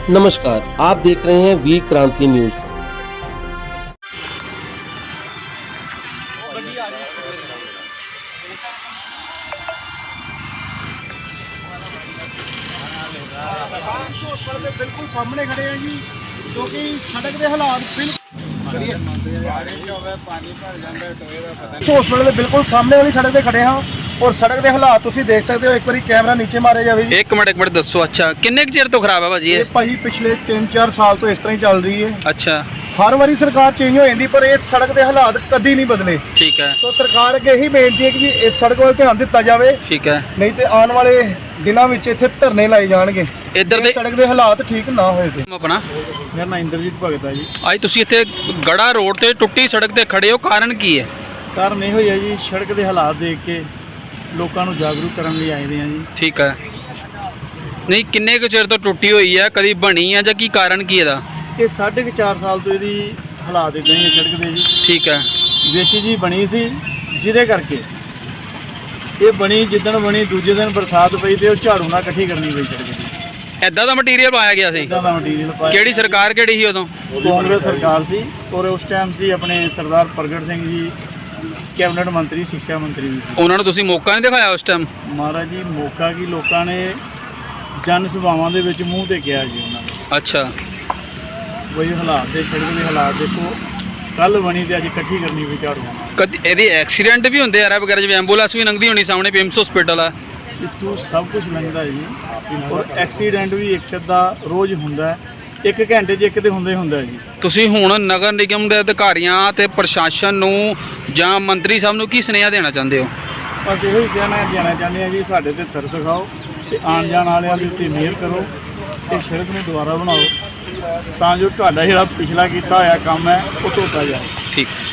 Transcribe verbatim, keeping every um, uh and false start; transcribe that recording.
नमस्कार, आप देख रहे हैं वीर क्रांति न्यूज। बिल्कुल सामने खड़े हैं जी, क्योंकि सड़क के हालात हॉस्पिटल के बिल्कुल सामने वाली सड़क पे खड़े हैं और सड़क के हालात तुसी देख सकते हो। एक बार कैमरा नीचे मारे जाए। एक मिनट एक मिनट दसो। अच्छा किन्ने क चिर तो खराब है भाजी? ये भाई पिछले तीन चार साल तो इस तरह ही चल रही है। अच्छा, हर बारी सरकार चेंज हो जाती पर इस सड़क के हालात कभी नहीं बदले। ठीक है। तो सरकार अगे यही बेनती है कि इस सड़क वाल ध्यान दिता जाए। ठीक है, नहीं तो आने वाले दिनों में इत्थे धरने लाए जाएंगे इधर दे सड़क के हालात ठीक ना होए ते। अपना मेरा नाम इंद्रजीत भगत है जी। आज तुसी इत्थे गड़ा रोड ते टुੱਟੀ सड़क ते खड़े हो, कारण की है? कारण यह है जी, सड़क के हालात देख के लोगों को जागरूक करने लिए आए हैं जी। ठीक है। नहीं किन्ने क चिर तो टुੱਟੀ हुई है, कभी बनी है ਜਾਂ ਕੀ कारण की ਇਹਦਾ? ये साढ़े के चार साल तो यदी हालात इदा ही है सड़क के जी। ठीक है। विच जी बनी सी जिदे करके ये बनी, जिदन बनी दूजे दिन बरसात पई ते झाड़ू ना इकट्ठी करनी पई सड़क दी। ਇਦਾਂ ਦਾ ਮਟੀਰੀਅਲ ਪਾਇਆ ਗਿਆ ਸੀ? इदा दा मटीरियल पाया। ਕਿਹੜੀ ਸਰਕਾਰ ਕਿਹੜੀ ਸੀ ਉਦੋਂ? कांग्रेस सरकार सी और उस टाइम सी अपने सरदार प्रगट सिंह जी कैबिनेट मंत्री, शिक्षा मंत्री भी सी। ਉਹਨਾਂ ਨੂੰ ਤੁਸੀਂ ਮੌਕਾ ਨਹੀਂ ਦਿਖਾਇਆ ਉਸ ਟਾਈਮ? महाराज जी मौका की लोगों ने जन सभावां दे विच मूँह ते किहा जी उन्होंने। अच्छा, वही हालात दे सड़क के हालात देखो, कल बनी तो अज इकट्ठी करनी पई झाड़ू। ਕਦੀ ਇਹਦੇ ਐਕਸੀਡੈਂਟ ਵੀ ਹੁੰਦੇ ਆ ਵਗੈਰਾ, ਜਿਵੇਂ ਐਂਬੂਲੈਂਸ ਵੀ ਲੰਘਦੀ ਹੋਣੀ ਸਾਹਮਣੇ ਪੀਐਮਸ ਹਸਪੀਟਲ ਆ। इतों सब कुछ लंघदा है जी और एक्सीडेंट भी एक अद्धा रोज़ हुंदा है, एक घंटे च एक ते हुंदा ही हुंदा है जी। ਤੁਸੀਂ ਹੁਣ ਨਗਰ ਨਿਗਮ ਦੇ ਅਧਿਕਾਰੀਆਂ ਤੇ ਪ੍ਰਸ਼ਾਸਨ ਨੂੰ ਜਾਂ ਮੰਤਰੀ ਸਾਹਿਬ ਨੂੰ ਕੀ ਸੁਨੇਹਾ ਦੇਣਾ ਚਾਹੁੰਦੇ ਹੋ? बस यो ही सियाना देना चाहते हैं जी, साढ़े ते तरस खाओ ते आन जान वाले दे उत्ते मेहर करो ते सड़क नूं दोबारा बनाओ तां जो तुहाडा जिहड़ा पिछला कीता होया काम है वो धोता जाए। ठीक।